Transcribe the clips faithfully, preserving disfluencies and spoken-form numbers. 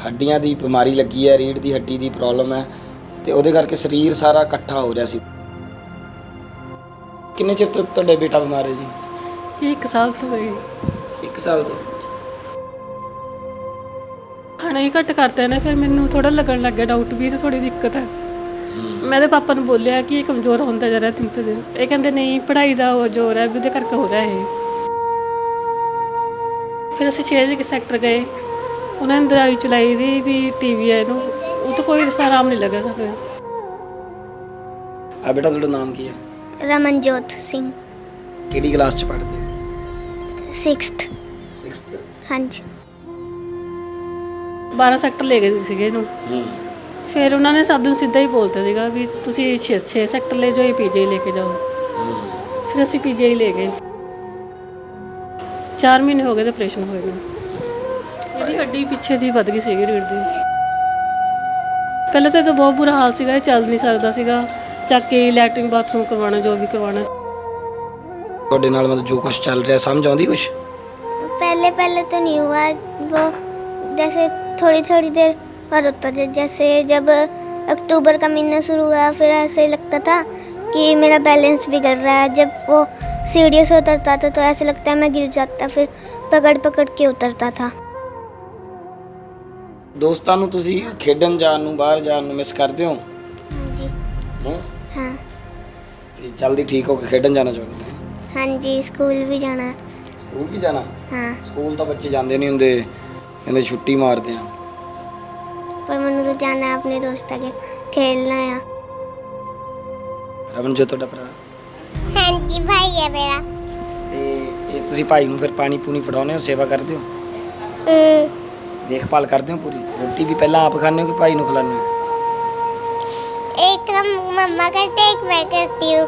ਹੱਡੀਆਂ ਦੀ ਬਿਮਾਰੀ ਲੱਗੀ ਹੈ, ਰੀੜ੍ਹ ਦੀ ਹੱਡੀ ਦੀ ਪ੍ਰੋਬਲਮ ਹੈ ਤੇ ਉਹਦੇ ਕਰਕੇ ਸਰੀਰ ਸਾਰਾ ਇਕੱਠਾ ਹੋ ਰਿਹਾ ਸੀ। ਕਿੰਨੇ ਚਿਰ ਤੋਂ ਤੁਹਾਡੇ ਬੇਟਾ ਬਿਮਾਰ ਹੈ ਜੀ? ਇਹ ਇੱਕ ਸਾਲ ਤੋਂ ਹੋਈ। ਇੱਕ ਸਾਲ ਤੋਂ। ਖਾਣਾ ਹੀ ਘੱਟ ਕਰਤੇ ਨੇ, ਫਿਰ ਮੈਨੂੰ ਥੋੜਾ ਲੱਗਣ ਲੱਗ ਗਿਆ ਡਾਊਟ ਵੀ ਇਹ ਥੋੜੀ ਦਿੱਕਤ ਹੈ। ਮੈਂ ਇਹਦੇ ਪਾਪਾ ਨੂੰ ਬੋਲਿਆ ਕਿ ਇਹ ਕਮਜ਼ੋਰ ਹੁੰਦਾ ਜਾ ਰਿਹਾ ਦਿਨ ਪਰ ਦਿਨ। ਇਹ ਕਹਿੰਦੇ ਨਹੀਂ, ਪੜ੍ਹਾਈ ਦਾ ਉਹ ਜ਼ੋਰ ਹੈ ਵੀ ਉਹਦੇ ਕਰਕੇ ਹੋ ਰਿਹਾ ਇਹ। ਫਿਰ ਅਸੀਂ ਛੇ ਵਜੇ ਸੈਕਟਰ ਗਏ, ਉਹਨਾਂ ਨੇ ਦਵਾਈ ਚਲਾਈ ਦੀ ਵੀ ਟੀ ਵੀ ਹੈ ਇਹਨੂੰ, ਉਹ ਤਾਂ ਕੋਈ ਆਰਾਮ ਨਹੀਂ ਲੱਗਾ ਸਾਨੂੰ। ਆ ਬੇਟਾ ਤੁਹਾਡਾ ਨਾਮ ਕੀ ਹੈ? ਰਮਨਜੋਤ ਸਿੰਘ। ਕਿਹੜੀ ਕਲਾਸ 'ਚ ਪੜ੍ਹਦੇ ਹੋ? ਸਿਕਸਥ। ਸਿਕਸਥ। ਹਾਂਜੀ। ਬਾਰਾਂ ਸੈਕਟਰ ਲੈ ਗਏ ਸੀਗੇ ਇਹਨੂੰ। ਫਿਰ ਉਹਨਾਂ ਨੇ ਸਭ ਨੂੰ ਸਿੱਧਾ ਹੀ ਬੋਲਤਾ ਸੀਗਾ ਵੀ ਤੁਸੀਂ ਛੇ ਛੇ ਸੈਕਟਰ ਲੈ ਜਾਓ, ਪੀ ਜੀ ਲੈ ਕੇ ਜਾਓ। ਫਿਰ ਅਸੀਂ ਪੀ ਜੀ ਲੈ ਗਏ। ਚਾਰ ਮਹੀਨੇ ਹੋ ਗਏ ਤੇ ਆਪਰੇਸ਼ਨ ਹੋਏ ਨੂੰ। ਇਹਦੀ ਹੱਡੀ ਪਿੱਛੇ ਦੀ ਵੱਧ ਗਈ ਸੀਗੀ ਰੀੜ੍ਹ ਦੀ। ਪਹਿਲਾਂ ਤਾਂ ਇਹਦਾ ਬਹੁਤ ਬੁਰਾ ਹਾਲ ਸੀਗਾ, ਇਹ ਚੱਲ ਨਹੀਂ ਸਕਦਾ ਸੀਗਾ। ਚੱਕ ਕੇ ਲੈਟਰਿੰਗ ਬਾਥਰੂਮ ਕਰਵਾਉਣਾ, ਜੋ ਵੀ ਕਰਵਾਉਣਾ। ਤੁਹਾਡੇ ਨਾਲ मतलब जो कुछ चल रहा है समझ आती कुछ? पहले पहले तो नहीं हुआ वो, जैसे थोड़ी थोड़ी देर और होता था। जैसे जब अक्टूबर का महीना शुरू हुआ फिर ऐसे लगता था कि मेरा बैलेंस बिगड़ रहा है। जब वो सीढ़ियों से उतरता था तो ऐसे लगता है मैं गिर जाता, फिर पकड़ पकड़ के उतरता था। ਦੋਸਤਾਂ ਨੂੰ ਤੁਸੀਂ ਖੇਡਣ ਜਾਣ ਨੂੰ, ਬਾਹਰ ਜਾਣ ਨੂੰ ਮਿਸ ਕਰਦੇ ਹੋ? हाँ जी। ਹੂੰ हाँ ਤੇ ਜਲਦੀ ਠੀਕ ਹੋ ਕੇ ਖੇਡਣ ਜਾਣਾ ਚਾਹੁੰਦੇ ਹੋ? हाँ जी, स्कूल भी जाना है। ਸਕੂਲ ਵੀ ਜਾਣਾ? हाँ, ਸਕੂਲ ਤਾਂ ਬੱਚੇ ਜਾਂਦੇ ਨਹੀਂ ਹੁੰਦੇ, ਕਹਿੰਦੇ ਛੁੱਟੀ ਮਾਰਦੇ ਆ। पर मैंने तो जाना है अपने दोस्तों के खेलना है। ਰਮਨ ਜੋ ਤੁਹਾਡਾ ਭਰਾ? हाँ जी, भाई है मेरा। ਤੇ ਇਹ ਤੁਸੀਂ ਭਾਈ ਨੂੰ ਫਿਰ ਪਾਣੀ ਪੂਣੀ ਫੜਾਉਂਦੇ ਹੋ, ਸੇਵਾ ਕਰਦੇ ਹੋ, ਦੇਖਭਾਲ ਕਰਦੇ ਹੋ ਪੂਰੀ? ਰੋਟੀ ਵੀ ਪਹਿਲਾਂ ਆਪ ਖਾਂਦੇ ਹੋ ਕਿ ਭਾਈ ਨੂੰ ਖਿਲਾਉਂਦੇ ਹੋ? एक मम्मा करते, एक मैं करती हूँ।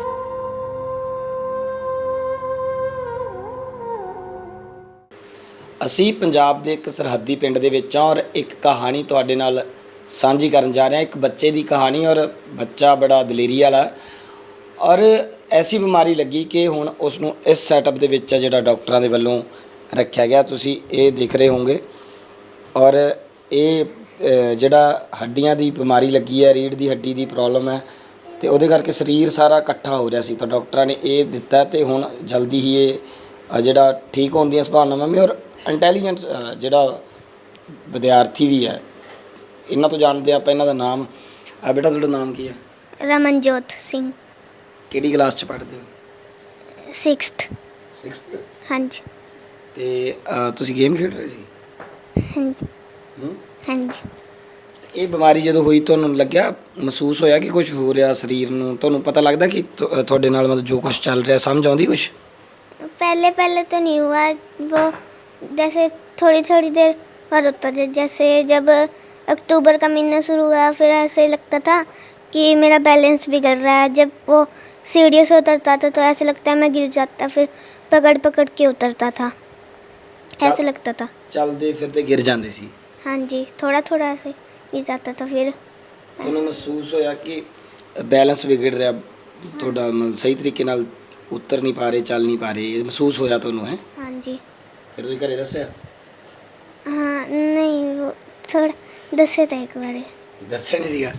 ਅਸੀਂ ਪੰਜਾਬ ਦੇ ਇੱਕ ਸਰਹੱਦੀ ਪਿੰਡ ਦੇ ਵਿੱਚ ਹਾਂ ਔਰ ਇੱਕ ਕਹਾਣੀ ਤੁਹਾਡੇ ਨਾਲ ਸਾਂਝੀ ਕਰਨ ਜਾ ਰਹੇ ਹਾਂ। ਇੱਕ ਬੱਚੇ ਦੀ ਕਹਾਣੀ, ਔਰ ਬੱਚਾ ਬੜਾ ਦਲੇਰੀ ਵਾਲਾ ਔਰ ਐਸੀ ਬਿਮਾਰੀ ਲੱਗੀ ਕਿ ਹੁਣ ਉਸ ਨੂੰ ਇਸ ਸੈਟਅਪ ਦੇ ਵਿੱਚ ਜਿਹੜਾ ਡਾਕਟਰਾਂ ਦੇ ਵੱਲੋਂ ਰੱਖਿਆ ਗਿਆ, ਤੁਸੀਂ ਇਹ ਦੇਖ ਰਹੇ ਹੋਵੋਗੇ। ਔਰ ਇਹ ਜਿਹੜਾ ਹੱਡੀਆਂ ਦੀ ਬਿਮਾਰੀ ਲੱਗੀ ਹੈ, ਰੀੜ੍ਹ ਦੀ ਹੱਡੀ ਦੀ ਪ੍ਰੋਬਲਮ ਹੈ ਤੇ ਉਹਦੇ ਕਰਕੇ ਸਰੀਰ ਸਾਰਾ ਇਕੱਠਾ ਹੋ ਰਿਹਾ ਸੀ। ਤਾਂ ਡਾਕਟਰਾਂ ਨੇ ਇਹ ਦਿੱਤਾ ਤੇ ਹੁਣ ਜਲਦੀ ਹੀ ਇਹ ਜਿਹੜਾ ਠੀਕ ਹੋਣ ਦੀਆਂ ਸੰਭਾਵਨਾਵਾਂ ਵੀ, ਔਰ ਇੰਟੈਲੀਜੈਂਟ ਜਿਹੜਾ ਵਿਦਿਆਰਥੀ ਵੀ ਹੈ। ਇਹਨਾਂ ਤੋਂ ਜਾਣਦੇ ਆਪਾਂ ਇਹਨਾਂ ਦਾ ਨਾਮ। ਆ ਬੇਟਾ ਤੁਹਾਡਾ ਨਾਮ ਕੀ ਹੈ? रमनजोत सिंह। ਕਿਹੜੀ ਕਲਾਸ 'ਚ ਪੜ੍ਹਦੇ ਹੋ? सिक्सथ। ਸਿਕਸਥ। हाँ जी। ਤੇ ਅ, ਤੁਸੀਂ ਗੇਮ ਖੇਡ ਰਹੇ ਸੀ? हाँ जी। ਹੂੰ हाँ जी। ਇਹ ਬਿਮਾਰੀ ਜਦੋਂ ਹੋਈ ਤੁਹਾਨੂੰ ਲੱਗਿਆ, ਮਹਿਸੂਸ ਹੋਇਆ ਕਿ ਕੁਝ ਹੋ ਰਿਹਾ ਸਰੀਰ ਨੂੰ? ਤੁਹਾਨੂੰ ਪਤਾ ਲੱਗਦਾ ਕਿ ਤੁ- ਤੁਹਾਡੇ ਨਾਲ मतलब जो कुछ ਚੱਲ ਰਿਹਾ, ਸਮਝ ਆਉਂਦੀ ਕੁਛ? पहले पहले तो नहीं हुआ वो, जैसे थोड़ी थोड़ी देर और होता था। जैसे जब अक्टूबर का महीना शुरू हुआ फिर ऐसे लगता था कि मेरा बैलेंस बिगड़ रहा है। जब वो सीढ़ियों से उतरता था तो ऐसे लगता है मैं गिर जाता, फिर पकड़ पकड़ के उतरता था, ऐसे लगता था। ਚੱਲਦੇ ਫਿਰਦੇ ਗਿਰ ਜਾਂਦੇ ਸੀ? हाँ जी, थोड़ा थोड़ा ऐसे गिर जाता था। फिर ਤੁਹਾਨੂੰ ਮਹਿਸੂਸ ਹੋਇਆ ਕਿ ਬੈਲੈਂਸ ਵਿਗੜ ਰਿਹਾ ਤੁਹਾਡਾ, ਮਤਲਬ ਸਹੀ ਤਰੀਕੇ ਨਾਲ ਉਤਰ ਨਹੀਂ ਪਾ ਰਹੇ, ਚੱਲ ਨਹੀਂ ਪਾ ਰਹੇ, ਇਹ ਮਹਿਸੂਸ ਹੋਇਆ ਤੁਹਾਨੂੰ? ਹੈ हाँ जी। ਫਿਰ ਤੁਸੀਂ ਘਰੇ ਦੱਸਿਆ? हाँ नहीं, वो थोड़ा दसे था एक बार। ਦੱਸਿਆ ਨਹੀਂ ਸੀਗਾ?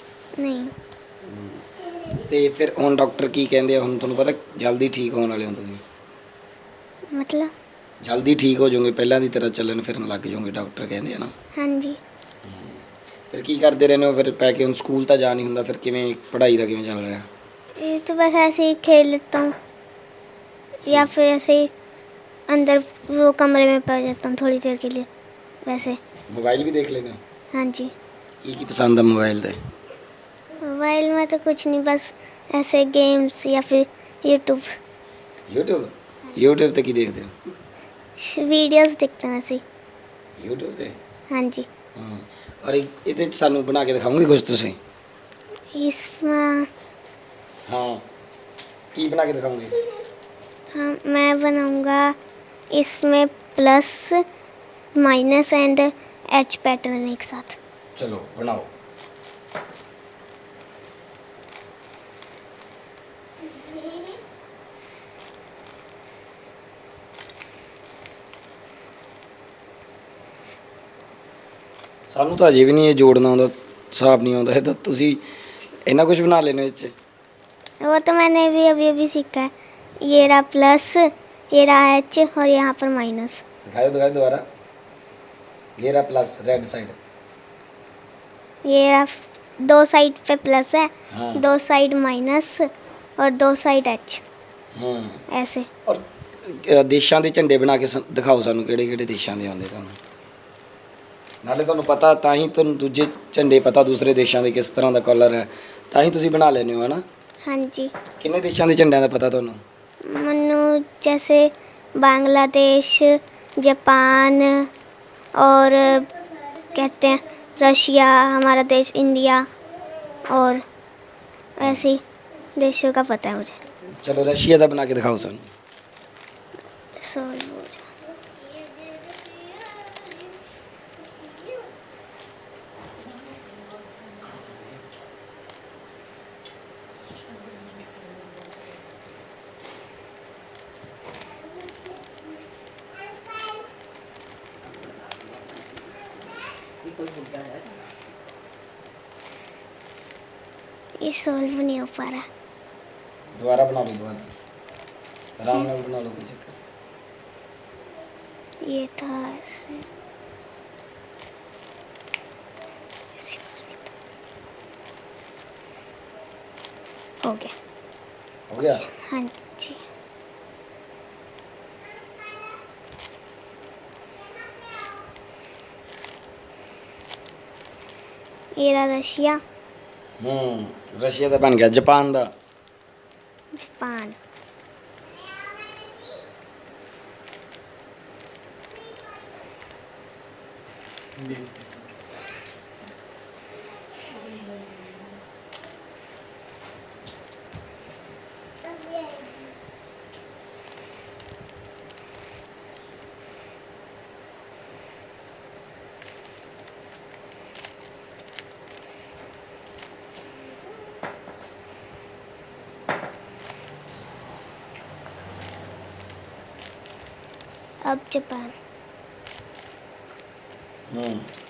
नहीं। ਤੇ ਫਿਰ ਹੁਣ ਡਾਕਟਰ ਕੀ ਕਹਿੰਦੇ ਆ? ਹੁਣ ਤੁਹਾਨੂੰ ਪਤਾ ਜਲਦੀ ਠੀਕ ਹੋਣ ਵਾਲੇ ਹੋ ਤੁਸੀਂ? मतलब ਜਲਦੀ ਠੀਕ ਹੋ ਜਾਓਗੇ, ਪਹਿਲਾਂ ਦੀ ਤਰ੍ਹਾਂ ਚੱਲਣ ਫਿਰਨ ਲੱਗ ਜਾਓਗੇ, ਡਾਕਟਰ ਕਹਿੰਦੇ ਆ ਨਾ। हाँ जी। ਫਿਰ ਕੀ ਕਰਦੇ ਰਹਿੰਦੇ ਹੋ ਫਿਰ ਪੈ ਕੇ? ਹੁਣ ਸਕੂਲ ਤਾਂ ਜਾ ਨਹੀਂ ਹੁੰਦਾ, ਫਿਰ ਕਿਵੇਂ ਪੜ੍ਹਾਈ ਦਾ ਕਿਵੇਂ ਚੱਲ ਰਿਹਾ? ये तो बस ऐसे ही खेल लेता हूँ, या फिर ऐसे ही अंदर वो कमरे में पड़ जाता हूँ थोड़ी देर के लिए वैसे। मोबाइल भी देख लेते हो? हाँ जी। की की पसंद है मोबाइल से? मोबाइल में तो कुछ नहीं, बस ऐसे गेम्स या फिर यूट्यूब यूट्यूब यूट्यूब ਤੇ ਕੀ ਦੇਖਦੇ ਹੋ? वीडियोस देखते हैं ऐसे। यूट्यूब ਤੇ? हाँ जी। ਹਾਂ। ਔਰ ਇਹ- ਇਹਦੇ 'ਚ ਸਾਨੂੰ ਬਣਾ ਕੇ ਦਿਖਾਓਗੇ ਕੁਝ ਤੁਸੀਂ? इसमें ਹਾਂ, ਕੀ ਬਣਾ ਕੇ ਦਿਖਾਓਗੇ? हाँ मैं बनाऊँगा इसमें plus minus and H pattern एक साथ। ਚਲੋ ਬਣਾਓ। ਸਾਨੂੰ ਤਾਂ ਅਜੇ ਵੀ ਨਹੀਂ ਇਹ ਜੋੜਨਾ ਆਉਂਦਾ, ਹਿਸਾਬ नहीं ਆਉਂਦਾ। ਇਹ ਤਾਂ ਤੁਸੀਂ ਇੰਨਾ ਕੁਝ ਬਣਾ ਲੈਣੇ ਵਿੱਚ। वो तो मैंने भी अभी अभी सीखा है। ये रहा प्लस, ये रहा एच और यहाँ पर माइनस। दिखाओ दिखाओ दोबारा। ये रहा प्लस रेड साइड, ये रहा दो साइड पे प्लस है, हाँ। दो साइड माइनस और दो साइड एच, हम्म ऐसे। ਔਰ ਅ, ਦੇਸ਼ਾਂ ਦੇ ਝੰਡੇ ਬਣਾ ਕੇ ਸ- ਦਿਖਾਓ ਸਾਨੂੰ ਕਿਹੜੇ ਕਿਹੜੇ ਦੇਸ਼ਾਂ ਦੇ ਆਉਂਦੇ ਤੁਹਾਨੂੰ। ਨਾਲੇ ਤੁਹਾਨੂੰ ਪਤਾ ਤਾਂ ਹੀ ਤੁਹਾਨੂੰ ਦੂਜੇ ਝੰਡੇ ਪਤਾ ਦੂਸਰੇ ਦੇਸ਼ਾਂ ਦੇ ਕਿਸ ਤਰ੍ਹਾਂ ਦਾ ਕਲਰ ਹੈ, ਤਾਂ ਹੀ ਤੁਸੀਂ ਬਣਾ ਲੈਂਦੇ ਹੋ ਹੈ ਨਾ। हाँ जी। ਕਿੰਨੇ ਦੇਸ਼ਾਂ ਦੇ ਝੰਡਿਆਂ ਦਾ ਪਤਾ ਤੁਹਾਨੂੰ? मनु जैसे बांग्लादेश, जापान और कहते हैं रशिया, हमारा देश इंडिया, और ऐसे ही देशों का पता है मुझे। ਚਲੋ ਰਸ਼ੀਆ ਦਾ ਬਣਾ ਕੇ ਦਿਖਾਓ ਸਾਨੂੰ। सॉल्व हो जा। ये सॉल्व नहीं हो पा रहा। ਦੁਬਾਰਾ ਬਣਾ ਲਓ, ਦੁਬਾਰਾ ਆਰਾਮ ਨਾਲ ਬਣਾ ਲਓ, ਕੋਈ ਚੱਕਰ। ये था ऐसे, ऐसे बना था। हो गया। ਹੋ ਗਿਆ। हाँ जी। ये रहा रशिया, ਹੂੰ ਰਸ਼ੀਆ ਦਾ ਬਣ ਗਿਆ। ਜਾਪਾਨ ਦਾ? जापान, अब जापान। ਹੂੰ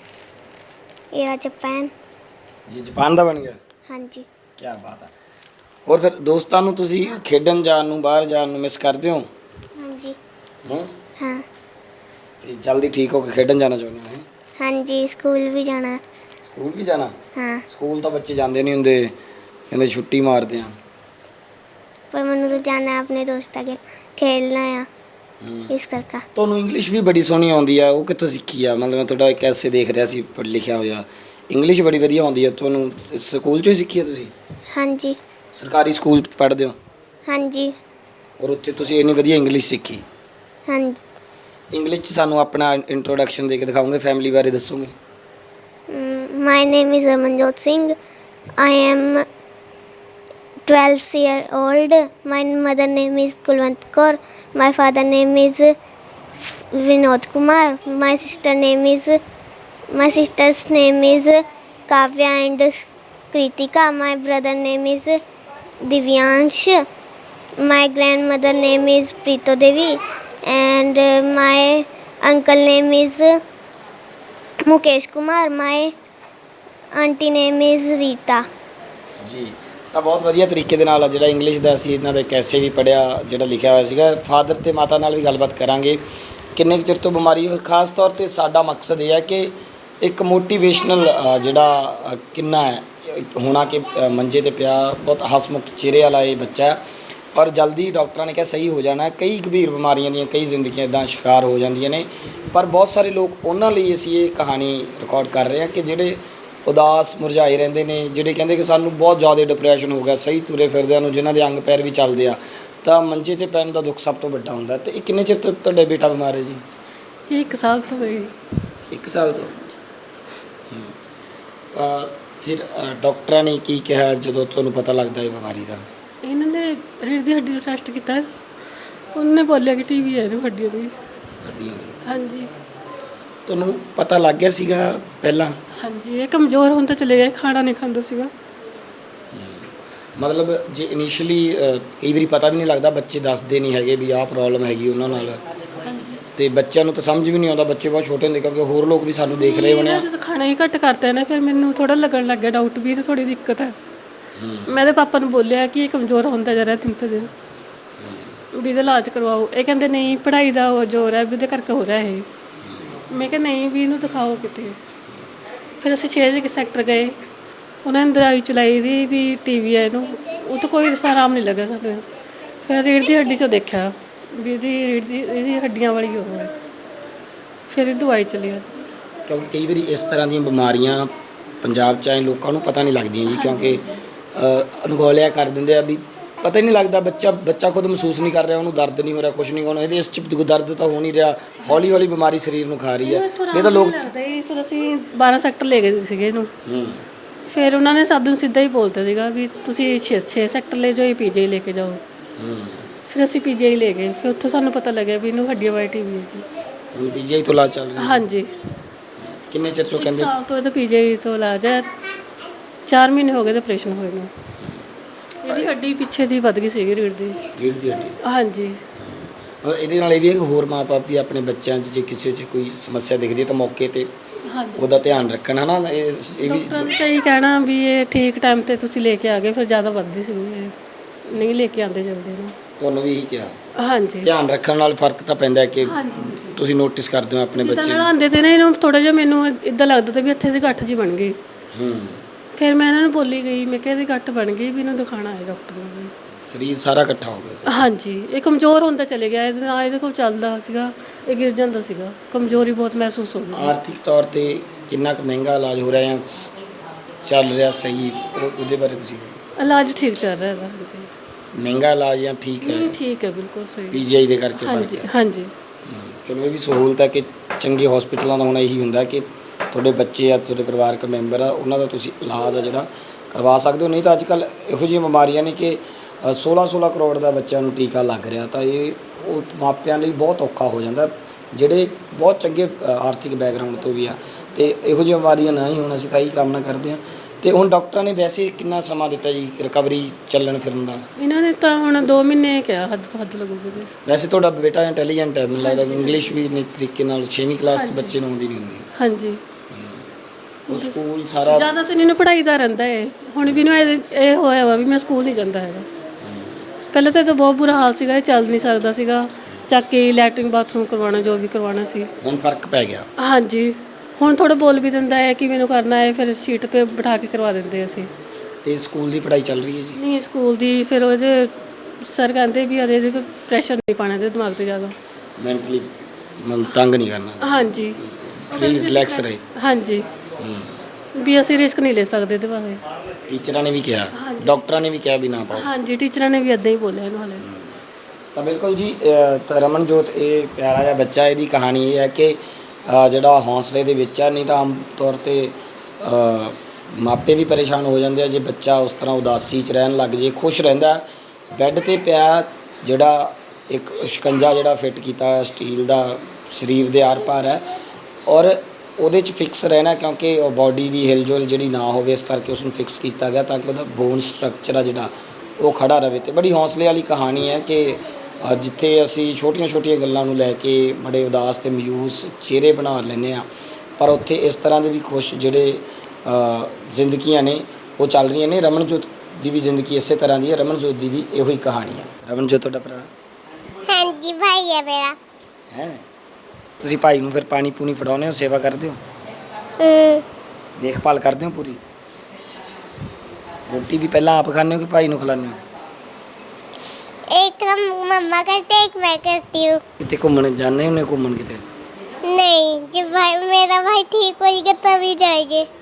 ये रहा जापान। ਜੀ ਜਾਪਾਨ ਦਾ ਬਣ ਗਿਆ। हाँ जी। ਕੀ ਬਾਤ ਹੈ। ਹੋਰ ਫਿਰ ਦੋਸਤਾਂ ਨੂੰ ਤੁਸੀਂ ਖੇਡਣ ਜਾਣ ਨੂੰ, ਬਾਹਰ ਜਾਣ ਨੂੰ ਮਿਸ ਕਰਦੇ ਹੋ? हाँ जी। ਹੂੰ हाँ। ਤੇ ਜਲਦੀ ਠੀਕ ਹੋ ਕੇ ਖੇਡਣ ਜਾਣਾ ਚਾਹੁੰਦੇ ਹੋ? ਹੈਂ? हाँ जी, स्कूल भी जाना है। ਸਕੂਲ ਵੀ ਜਾਣਾ? हाँ, ਸਕੂਲ ਤਾਂ ਬੱਚੇ ਜਾਂਦੇ ਨਹੀਂ ਹੁੰਦੇ, ਕਹਿੰਦੇ ਛੁੱਟੀ ਮਾਰਦੇ ਆ। पर मैंने तो जाना है अपने दोस्तों के खेलना है ਹੂੰ इस करके। ਤੁਹਾਨੂੰ ਇੰਗਲਿਸ਼ ਵੀ ਬੜੀ ਸੋਹਣੀ ਆਉਂਦੀ ਆ, ਉਹ ਕਿੱਥੋਂ ਸਿੱਖੀ ਆ? ਮਤਲਬ ਮੈਂ ਤੁਹਾਡਾ ਇੱਕ ਐਸੇ ਦੇਖ ਰਿਹਾ ਸੀ ਪੜ੍ਹ ਲਿਖਿਆ ਹੋਇਆ, ਇੰਗਲਿਸ਼ ਬੜੀ ਵਧੀਆ ਆਉਂਦੀ ਆ ਤੁਹਾਨੂੰ। ਸਕੂਲ 'ਚੋਂ ਹੀ ਸਿੱਖੀ ਆ ਤੁਸੀਂ? हाँ जी। ਸਰਕਾਰੀ ਸਕੂਲ ਪੜ੍ਹਦੇ ਹੋ हाँ जी। ਔਰ ਉੱਥੇ ਤੁਸੀਂ ਇੰਨੀ ਵਧੀਆ ਇੰਗਲਿਸ਼ ਸਿੱਖੀ? हाँ जी। ਇੰਗਲਿਸ਼ 'ਚ ਸਾਨੂੰ ਆਪਣਾ ਇੰਟਰੋਡਕਸ਼ਨ ਦੇ ਕੇ ਦਿਖਾਓਗੇ, ਫੈਮਿਲੀ ਬਾਰੇ ਦੱਸੋਗੇ? My name is Amanjot Singh. I am twelve year old. My mother name is Kulwant Kaur. My father name is Vinod Kumar. My sister name is my sister's name is Kavya and Kritika. My brother name is Divyansh. My grandmother name is Preeto Devi, and uh, my uncle name is Mukesh Kumar. My auntie name is Rita. ਜੀ ਤਾਂ ਬਹੁਤ ਵਧੀਆ ਤਰੀਕੇ ਦੇ ਨਾਲ ਜਿਹੜਾ English ਦਾ ਅਸੀਂ ਇਹਨਾਂ ਦੇ ਕੈਸੇ ਵੀ ਪੜਿਆ, ਜਿਹੜਾ ਲਿਖਿਆ ਹੋਇਆ ਸੀਗਾ। ਫਾਦਰ ਤੇ ਮਾਤਾ ਨਾਲ ਵੀ ਗੱਲਬਾਤ ਕਰਾਂਗੇ ਕਿੰਨੇ ਕੁ ਚਿਰ ਤੋਂ ਬਿਮਾਰੀ ਹੋਈ। ਖਾਸ ਤੌਰ ਤੇ ਸਾਡਾ ਮਕਸਦ ਇਹ ਹੈ ਕਿ ਇੱਕ ਮੋਟੀਵੇਸ਼ਨਲ ਜਿਹੜਾ ਅ, ਕਿੰਨਾ ਹੈ ਹੋਣਾ ਕਿ ਅ, ਮੰਜੇ ਤੇ ਪਿਆ, ਬਹੁਤ ਹਸਮੁਖ ਚਿਹਰੇ ਵਾਲਾ ਇਹ ਬੱਚਾ ਹੈ ਔਰ ਜਲਦੀ ਡਾਕਟਰਾਂ ਨੇ ਕਿਹਾ ਸਹੀ ਹੋ ਜਾਣਾ। ਕਈ ਗੰਭੀਰ ਬਿਮਾਰੀਆਂ ਦੀਆਂ ਕਈ ਜ਼ਿੰਦਗੀਆਂ ਇੱਦਾਂ ਸ਼ਿਕਾਰ ਹੋ ਜਾਂਦੀਆਂ ਨੇ, ਪਰ ਬਹੁਤ ਸਾਰੇ ਲੋਕ ਉਹਨਾਂ ਲਈ ਅਸੀਂ ਇਹ ਕਹਾਣੀ ਰਿਕਾਰਡ ਕਰ ਰਹੇ ਹਾਂ ਕਿ ਜਿਹੜੇ ਉਦਾਸ ਮੁਰਝਾਏ ਰਹਿੰਦੇ ਨੇ, ਜਿਹੜੇ ਕਹਿੰਦੇ ਕਿ ਸਾਨੂੰ ਬਹੁਤ ਜ਼ਿਆਦਾ ਡਿਪਰੈਸ਼ਨ ਹੋ ਗਿਆ, ਸਹੀ ਤੁਰੇ ਫਿਰਦਿਆਂ ਨੂੰ, ਜਿਨ੍ਹਾਂ ਦੇ ਅੰਗ ਪੈਰ ਵੀ ਚੱਲਦੇ ਆ, ਤਾਂ ਮੰਜੇ ਤੇ ਪੈਣ ਦਾ ਦੁੱਖ ਸਭ ਤੋਂ ਵੱਡਾ ਹੁੰਦਾ। ਤੇ ਇਹ ਕਿੰਨੇ ਚਿਰ ਤੋਂ ਤੁਹਾਡੇ ਬੇਟਾ ਬਿਮਾਰ ਹੈ ਜੀ? ਇਹ ਇੱਕ ਸਾਲ ਤੋਂ ਹੋਈ। ਇੱਕ ਸਾਲ ਤੋਂ? ਹੂੰ। ਅ, ਫਿਰ ਅ, ਡਾਕਟਰਾਂ ਨੇ ਕੀ ਕਿਹਾ ਜਦੋਂ ਤੁਹਾਨੂੰ ਪਤਾ ਲੱਗਦਾ ਇਹ ਬਿਮਾਰੀ ਦਾ? ਇਹਨਾਂ ਨੇ ਰੀੜ੍ਹ ਦੀ ਹੱਡੀ ਦਾ ਟੈਸਟ ਕੀਤਾ, ਉਹਨੇ ਬੋਲਿਆ ਕਿ ਟੀ ਵੀ ਹੈ ਇਹਨੂੰ ਹੱਡੀਆਂ ਦੀ। ਹੱਡੀਆਂ ਦੀ? ਹਾਂਜੀ। ਤੁਹਾਨੂੰ ਪਤਾ ਲੱਗ ਗਿਆ ਸੀਗਾ ਪਹਿਲਾਂ? ਹਾਂਜੀ, ਇਹ ਕਮਜ਼ੋਰ ਹੁੰਦਾ ਚਲੇ ਗਿਆ, ਖਾਣਾ ਨਹੀਂ ਖਾਂਦਾ ਸੀਗਾ। ਮਤਲਬ ਜੇ ਇਨੀਸ਼ੀਅਲੀ ਕਈ ਵਾਰੀ ਪਤਾ ਵੀ ਨਹੀਂ ਲੱਗਦਾ, ਬੱਚੇ ਦੱਸਦੇ ਨਹੀਂ ਹੈਗੇ ਵੀ ਆਹ ਪ੍ਰੋਬਲਮ ਹੈਗੀ ਉਹਨਾਂ ਨਾਲ। ਹਾਂਜੀ। ਤੇ ਬੱਚਿਆਂ ਨੂੰ ਤਾਂ ਸਮਝ ਵੀ ਨਹੀਂ ਆਉਂਦਾ, ਬੱਚੇ ਬਹੁਤ ਛੋਟੇ ਹੁੰਦੇ, ਕਿਉਂਕਿ ਹੋਰ ਲੋਕ ਵੀ ਸਾਨੂੰ ਦੇਖ ਰਹੇ ਹੋਣੇ ਆ। ਜਦੋਂ ਖਾਣਾ ਹੀ ਘੱਟ ਕਰਤਾ ਨਾ ਫਿਰ ਮੈਨੂੰ ਥੋੜਾ ਲੱਗਣ ਲੱਗ ਗਿਆ ਡਾਊਟ ਵੀ ਇਹ ਥੋੜੀ ਦਿੱਕਤ ਹੈ। ਮੈਂ ਤੇ ਪਾਪਾ ਨੂੰ ਬੋਲਿਆ ਕਿ ਇਹ ਕਮਜ਼ੋਰ ਹੁੰਦਾ ਜਾ ਰਿਹਾ ਦਿਨ ਪਰ ਦਿਨ, ਵੀ ਇਹਦਾ ਇਲਾਜ ਕਰਵਾਓ। ਇਹ ਕਹਿੰਦੇ ਨਹੀਂ ਪੜ੍ਹਾਈ ਦਾ ਉਹ ਜ਼ੋਰ ਹੈ ਵੀ ਉਹਦੇ ਕਰਕੇ ਹੋ ਰਿਹਾ ਇਹ। ਮੈਂ ਕਿਹਾ ਨਹੀਂ ਵੀ ਇਹਨੂੰ ਦਿਖਾਓ ਕਿਤੇ। ਫਿਰ ਅਸੀਂ ਛੇ ਵਜੇ ਸੈਕਟਰ ਗਏ, ਉਹਨਾਂ ਨੇ ਦਵਾਈ ਚਲਾਈ ਦੀ ਵੀ ਟੀ ਵੀ ਹੈ ਇਹਨੂੰ, ਉਹ ਤਾਂ ਕੋਈ ਆਰਾਮ ਨਹੀਂ ਲੱਗਾ ਸਾਨੂੰ। ਫਿਰ ਰੀੜ੍ਹ ਦੀ ਹੱਡੀ 'ਚੋਂ ਦੇਖਿਆ ਵੀ ਇਹਦੀ ਰੀੜ੍ਹ ਦੀ ਇਹਦੀ ਹੱਡੀਆਂ ਵਾਲੀ ਹੋ ਹੈ, ਫਿਰ ਇਹ ਦਵਾਈ ਚੱਲੀ। ਕਿਉਂਕਿ ਕਈ ਵਾਰੀ ਇਸ ਤਰ੍ਹਾਂ ਦੀਆਂ ਬਿਮਾਰੀਆਂ ਪੰਜਾਬ 'ਚ ਆਏ ਲੋਕਾਂ ਨੂੰ ਪਤਾ ਨਹੀਂ ਲੱਗਦੀਆਂ ਜੀ, ਕਿਉਂਕਿ ਅਣਗੌਲਿਆ ਕਰ ਦਿੰਦੇ ਆ ਵੀ ਪਤਾ ਹੀ ਨਹੀਂ ਲੱਗਦਾ। ਬੱਚਾ ਬੱਚਾ ਖੁਦ ਮਹਿਸੂਸ ਨਹੀਂ ਕਰ ਰਿਹਾ, ਉਹਨੂੰ ਦਰਦ ਨਹੀਂ ਹੋ ਰਿਹਾ, ਕੁਝ ਨਹੀਂ ਹੋਣਾ, ਇਹਦੇ ਇਸ 'ਚ ਦਰਦ ਤਾਂ ਹੋ ਨਹੀਂ ਰਿਹਾ, ਹੌਲੀ ਹੌਲੀ ਬਿਮਾਰੀ ਸਰੀਰ ਨੂੰ ਖਾ ਰਹੀ ਹੈ। ਇਹ ਤਾਂ ਲੋਕ ਫਿਰ ਅਸੀਂ ਬਾਰਾਂ ਸੈਕਟਰ ਲੈ ਗਏ ਸੀਗੇ ਇਹਨੂੰ, ਫਿਰ ਉਹਨਾਂ ਨੇ ਸਭ ਨੂੰ ਸਿੱਧਾ ਹੀ ਬੋਲਤਾ ਸੀਗਾ ਵੀ ਤੁਸੀਂ ਛੇ ਛੇ ਸੈਕਟਰ ਲੈ ਜਾਓ, ਪੀ ਜੀ ਲੈ ਕੇ ਜਾਓ। ਫਿਰ ਅਸੀਂ ਪੀ ਜੀ ਲੈ ਗਏ, ਫਿਰ ਉੱਥੋਂ ਸਾਨੂੰ ਪਤਾ ਲੱਗਿਆ ਵੀ ਇਹਨੂੰ ਹੱਡੀਆਂ ਵਾਲੀ ਟੀ ਵੀ ਹੈਗੀ। ਹੁਣ ਪੀ ਜੀ ਤੋਂ ਇਲਾਜ ਚੱਲ ਰਿਹਾ? ਹਾਂਜੀ। ਕਿੰਨੇ ਚਿਰ ਤੋਂ ਕਹਿੰਦੇ? ਸਾਲ ਤੋਂ ਇਹ ਤਾਂ ਪੀ ਜੀ ਤੋਂ ਇਲਾਜ ਹੈ, ਚਾਰ ਮਹੀਨੇ ਹੋ ਗਏ ਤੇ ਆਪਰੇਸ਼ਨ ਹੋਏ ਨੂੰ। ਇਹਦੀ ਹੱਡੀ ਪਿੱਛੇ ਦੀ ਵੱਧ ਗਈ ਸੀਗੀ ਰੀੜ੍ਹ ਦੀ ਰੀੜ੍ਹ ਦੀ ਹੱਡੀ। ਹਾਂਜੀ। ਔਰ ਇਹਦੇ ਨਾਲ ਇਹ ਵੀ ਹੈ ਕਿ ਹੋਰ ਮਾਂ-ਬਾਪ ਵੀ ਆਪਣੇ ਬੱਚਿਆਂ 'ਚ ਜੇ ਕਿਸੇ 'ਚ ਕੋਈ ਸਮੱਸਿਆ ਦਿਖਦੀ ਹੈ ਤਾਂ ਮੌਕੇ 'ਤੇ ਹਾਂਜੀ ਉਹਦਾ ਧਿਆਨ ਰੱਖਣ, ਹੈ ਨਾ। ਇਹ ਇਹ ਵੀ ਡਾਕਟਰਾਂ ਨੇ ਤਾਂ ਇਹੀ ਕਹਿਣਾ ਵੀ ਇਹ ਠੀਕ ਟਾਈਮ 'ਤੇ ਤੁਸੀਂ ਲੈ ਕੇ ਆ ਗਏ, ਫਿਰ ਜ਼ਿਆਦਾ ਵੱਧਦੀ ਸੀ ਇਹ ਨਹੀਂ ਲੈ ਕੇ ਆਉਂਦੇ ਜਲਦੀ ਨੂੰ। ਤੁਹਾਨੂੰ ਵੀ ਇਹੀ ਕਿਹਾ? ਹਾਂਜੀ। ਧਿਆਨ ਰੱਖਣ ਨਾਲ ਫਰਕ ਤਾਂ ਪੈਂਦਾ ਹੈ ਕਿ ਹਾਂਜੀ ਤੁਸੀਂ ਨੋਟਿਸ ਕਰਦੇ ਹੋ ਆਪਣੇ ਬੱਚੇ ਜਿੱਦਾਂ ਨੂੰ। ਲੜਾਉਂਦੇ ਤੇ ਨਾ ਇਹਨੂੰ ਥੋੜਾ ਜਿਹਾ ਮੈਨੂੰ ਇਦਾਂ ਲੱਗਦਾ ਤਾਂ ਵੀ ਇੱਥੇ ਦੀ ਗੱਠ ਜੀ ਬਣ ਗਈ। ਹੂੰ। ਫਿਰ ਮੈਂ ਇਹਨਾਂ ਨੂੰ ਬੋਲੀ ਗਈ, ਮੈਂ ਕਿਹਾ ਇਹਦੀ ਗੱਠ ਬਣ ਗਈ ਵੀ ਇਹਨੂੰ ਦਿਖਾਉਣਾ ਹੈ ਡਾਕਟਰ ਨੂੰ ਵੀ। ਸਰੀਰ ਸਾਰਾ ਇਕੱਠਾ ਹੋ ਗਿਆ? ਹਾਂਜੀ। ਇਹ ਕਮਜ਼ੋਰ ਹੁੰਦਾ ਚਲੇ ਗਿਆ, ਇਹਦੇ ਨਾਲ ਇਹਦੇ ਕੋਲ ਚੱਲਦਾ ਸੀਗਾ, ਇਹ ਗਿਰ ਜਾਂਦਾ ਸੀਗਾ, ਕਮਜ਼ੋਰੀ ਬਹੁਤ ਮਹਿਸੂਸ ਹੋ ਗਈ। ਆਰਥਿਕ ਤੌਰ ਤੇ ਕਿੰਨਾ ਕੁ ਮਹਿੰਗਾ ਇਲਾਜ ਹੋ ਰਿਹਾ ਜਾਂ ਚੱਲ ਰਿਹਾ ਸਹੀ, ਉਹ- ਉਹਦੇ ਬਾਰੇ ਤੁਸੀਂ ਇਲਾਜ ਠੀਕ ਚੱਲ ਰਿਹਾ ਹੈਗਾ। ਹਾਂਜੀ। ਮਹਿੰਗਾ ਇਲਾਜ ਜਾਂ ਠੀਕ ਹੈ? ਨਹੀਂ ਠੀਕ ਹੈ, ਬਿਲਕੁਲ ਸਹੀ। ਪੀਜੀਆਈ ਦੇ ਕਰਕੇ ਫਰਕ ਹਾਂਜੀ ਹੈ? ਹਾਂਜੀ। ਹੂੰ। ਚਲੋ ਇਹ ਵੀ ਸਹੂਲਤ ਹੈ ਕਿ ਚੰਗੇ ਹਸਪੀਟਲਾਂ ਦਾ ਹੋਣਾ ਇਹੀ ਹੁੰਦਾ ਕਿ ਤੁਹਾਡੇ ਬੱਚੇ ਆ, ਤੁਹਾਡੇ ਪਰਿਵਾਰਕ ਮੈਂਬਰ ਆ, ਉਹਨਾਂ ਦਾ ਤੁਸੀਂ ਇਲਾਜ ਆ ਜਿਹੜਾ ਕਰਵਾ ਸਕਦੇ ਹੋ। ਨਹੀਂ ਤਾਂ ਅੱਜ ਕੱਲ੍ਹ ਇਹੋ ਜਿਹੀਆਂ ਬਿਮਾਰੀਆਂ ਨੇ ਕਿ ਸੋਲਾਂ ਸੋਲਾਂ ਕਰੋੜ ਦਾ ਬੱਚਿਆਂ ਨੂੰ ਟੀਕਾ ਲੱਗ ਰਿਹਾ, ਤਾਂ ਇਹ ਉਹ ਮਾਪਿਆਂ ਲਈ ਬਹੁਤ ਔਖਾ ਹੋ ਜਾਂਦਾ ਜਿਹੜੇ ਬਹੁਤ ਚੰਗੇ ਆਰਥਿਕ ਬੈਕਗ੍ਰਾਉਂਡ ਤੋਂ ਵੀ ਆ। ਅਤੇ ਇਹੋ ਜਿਹੀਆਂ ਬਿਮਾਰੀਆਂ ਨਾ ਹੀ ਹੋਣ, ਅਸੀਂ ਤਾਂ ਇਹੀ ਕਾਮਨਾ ਕਰਦੇ ਹਾਂ। ਅਤੇ ਹੁਣ ਡਾਕਟਰਾਂ ਨੇ ਵੈਸੇ ਕਿੰਨਾ ਸਮਾਂ ਦਿੱਤਾ ਜੀ ਰਿਕਵਰੀ ਚੱਲਣ ਫਿਰਨ ਦਾ? ਇਹਨਾਂ ਨੇ ਤਾਂ ਹੁਣ ਦੋ ਮਹੀਨੇ ਕਿਹਾ, ਹੱਦ ਤੋਂ ਹੱਦ ਲੱਗੂਗੀ ਜੀ। ਵੈਸੇ ਤੁਹਾਡਾ ਬੇਟਾ ਇੰਟੈਲੀਜੈਂਟ ਹੈ, ਮੈਨੂੰ ਲੱਗਦਾ ਇੰਗਲਿਸ਼ ਵੀ ਨਹੀਂ ਤਰੀਕੇ ਨਾਲ ਛੇਵੀਂ ਕਲਾਸ 'ਚ ਬੱਚੇ ਨੂੰ ਆਉਂਦੀ ਨਹੀਂ ਹੁੰਦੀ। ਹਾਂਜੀ। ਉਹ ਸਕੂਲ ਸਾਰਾ ਜ਼ਿਆਦਾ ਤਾਂ ਇਹਨੂੰ ਪੜ੍ਹਾਈ ਦਾ ਰਹਿੰਦਾ ਹੈ। ਹੁਣ ਵੀ ਇਹਨੂੰ ਇਹ ਇਹ ਹੋਇਆ ਵਾ ਵੀ ਮੈਂ ਸਕੂਲ ਨਹੀਂ ਜਾਂਦਾ ਹੈਗਾ। ਪਹਿਲਾਂ ਤਾਂ ਇਹ ਤਾਂ ਬਹੁਤ ਬੁਰਾ ਹਾਲ ਸੀਗਾ, ਇਹ ਚੱਲ ਨਹੀਂ ਸਕਦਾ ਸੀਗਾ, ਚੱਕ ਕੇ ਲੈਟਰਿੰਗ ਬਾਥਰੂਮ ਕਰਵਾਉਣਾ ਜੋ ਵੀ ਕਰਵਾਉਣਾ ਸੀ। ਹੁਣ ਫਰਕ ਪੈ ਗਿਆ? ਹਾਂਜੀ। ਹੁਣ ਥੋੜਾ ਬੋਲ ਵੀ ਦਿੰਦਾ ਹੈ ਕਿ ਮੈਨੂੰ ਕਰਨਾ ਹੈ, ਫਿਰ ਸ਼ੀਟ 'ਤੇ ਬਿਠਾ ਕੇ ਕਰਵਾ ਦਿੰਦੇ ਅਸੀਂ। ਅਤੇ ਸਕੂਲ ਦੀ ਪੜ੍ਹਾਈ ਚੱਲ ਰਹੀ ਹੈ ਜੀ? ਨਹੀਂ ਸਕੂਲ ਦੀ ਫਿਰ ਉਹਦੇ ਸਰ ਕਹਿੰਦੇ ਵੀ ਅਰੇ ਇਹਦੇ ਪ੍ਰੈਸ਼ਰ ਨਹੀਂ ਪਾਉਣਾ ਇਹਦੇ ਦਿਮਾਗ 'ਤੇ ਜ਼ਿਆਦਾ, ਮੈਂਟਲੀ ਮਨ ਤੰਗ ਨਹੀਂ ਕਰਨਾ। ਹਾਂਜੀ। ਫ੍ਰੀ ਰਿਲੈਕਸ ਰਹੇ। ਹਾਂਜੀ। ਵੀ ਅਸੀਂ ਰਿਸਕ ਨਹੀਂ ਲੈ ਸਕਦੇ ਇਹਦੇ ਬਾਰੇ। ਟੀਚਰਾਂ ਨੇ ਵੀ ਕਿਹਾ, ਡਾਕਟਰਾਂ ਨੇ ਵੀ ਕਿਹਾ ਵੀ ਨਾ ਪਾਓ? ਹਾਂਜੀ ਟੀਚਰਾਂ ਨੇ ਵੀ ਇੱਦਾਂ ਹੀ ਬੋਲਿਆ ਇਹਨੂੰ ਹਾਲੇ। ਤਾਂ ਬਿਲਕੁਲ ਜੀ, ਅ, ਤਾਂ ਰਮਨਜੋਤ ਇਹ ਪਿਆਰਾ ਜਿਹਾ ਬੱਚਾ, ਇਹਦੀ ਕਹਾਣੀ ਇਹ ਹੈ ਕਿ ਅ, ਜਿਹੜਾ ਹੌਸਲੇ ਦੇ ਵਿੱਚ ਆ। ਨਹੀਂ ਤਾਂ ਆਮ ਤੌਰ 'ਤੇ ਅ, ਮਾਪੇ ਵੀ ਪਰੇਸ਼ਾਨ ਹੋ ਜਾਂਦੇ ਆ ਜੇ ਬੱਚਾ ਉਸ ਤਰ੍ਹਾਂ ਉਦਾਸੀ 'ਚ ਰਹਿਣ ਲੱਗ ਜੇ। ਖੁਸ਼ ਰਹਿੰਦਾ ਬੈੱਡ 'ਤੇ ਪਿਆ, ਜਿਹੜਾ ਇੱਕ ਸ਼ਿਕੰਜਾ ਜਿਹੜਾ ਫਿੱਟ ਕੀਤਾ ਹੋਇਆ ਸਟੀਲ ਦਾ ਸਰੀਰ ਦੇ ਆਰ ਪਾਰ ਹੈ, ਔਰ ਉਹਦੇ 'ਚ ਫਿਕਸ ਰਹਿਣਾ ਕਿਉਂਕਿ ਬਾਡੀ ਦੀ ਹਿਲਜੁਲ ਜਿਹੜੀ ਨਾ ਹੋਵੇ, ਇਸ ਕਰਕੇ ਉਸ ਨੂੰ ਫਿਕਸ ਕੀਤਾ ਗਿਆ ਤਾਂ ਕਿ ਉਹਦਾ ਬੋਨ ਸਟਰਕਚਰ ਆ ਜਿਹੜਾ ਉਹ ਖੜਾ ਰਹੇ। ਅਤੇ ਬੜੀ ਹੌਸਲੇ ਵਾਲੀ ਕਹਾਣੀ ਹੈ ਕਿ ਜਿੱਥੇ ਅਸੀਂ ਛੋਟੀਆਂ ਛੋਟੀਆਂ ਗੱਲਾਂ ਨੂੰ ਲੈ ਕੇ ਬੜੇ ਉਦਾਸ ਅਤੇ ਮਾਯੂਸ ਚਿਹਰੇ ਬਣਾ ਲੈਂਦੇ ਹਾਂ, ਪਰ ਉੱਥੇ ਇਸ ਤਰ੍ਹਾਂ ਦੇ ਵੀ ਖੁਸ਼ ਜਿਹੜੇ ਜ਼ਿੰਦਗੀਆਂ ਨੇ ਉਹ ਚੱਲ ਰਹੀਆਂ ਨੇ। ਰਮਨਜੋਤ ਦੀ ਵੀ ਜ਼ਿੰਦਗੀ ਇਸੇ ਤਰ੍ਹਾਂ ਦੀ ਹੈ, ਰਮਨਜੋਤ ਦੀ ਵੀ ਇਹੋ ਹੀ ਕਹਾਣੀ ਹੈ। ਰਮਨਜੋਤ ਤੁਹਾਡਾ ਭਰਾ? ਹਾਂਜੀ ਭਾਈ ਹੈ ਮੇਰਾ। ਹੈ ਤੁਸੀਂ ਭਾਈ ਨੂੰ ਫਿਰ ਪਾਣੀ ਪੂਣੀ ਫੜਾਉਂਦੇ ਹੋ, ਸੇਵਾ ਕਰਦੇ ਹੋ, ਹੂੰ। ਦੇਖਭਾਲ ਕਰਦੇ ਹੋ ਪੂਰੀ? ਰੋਟੀ ਵੀ ਪਹਿਲਾਂ ਆਪ ਖਾਂਦੇ ਹੋ ਕਿ ਭਾਈ ਨੂੰ ਖਿਲਾਉਂਦੇ ਹੋ? एक हम मम्मा करते एक मैं करती हूँ। ਕਿਤੇ ਘੁੰਮਣ ਜਾਂਦੇ ਹੁੰਦੇ? ਘੁੰਮਣ ਕਿਤੇ? नहीं, जब भाई मेरा भाई ठीक होएगा तभी जाएंगे।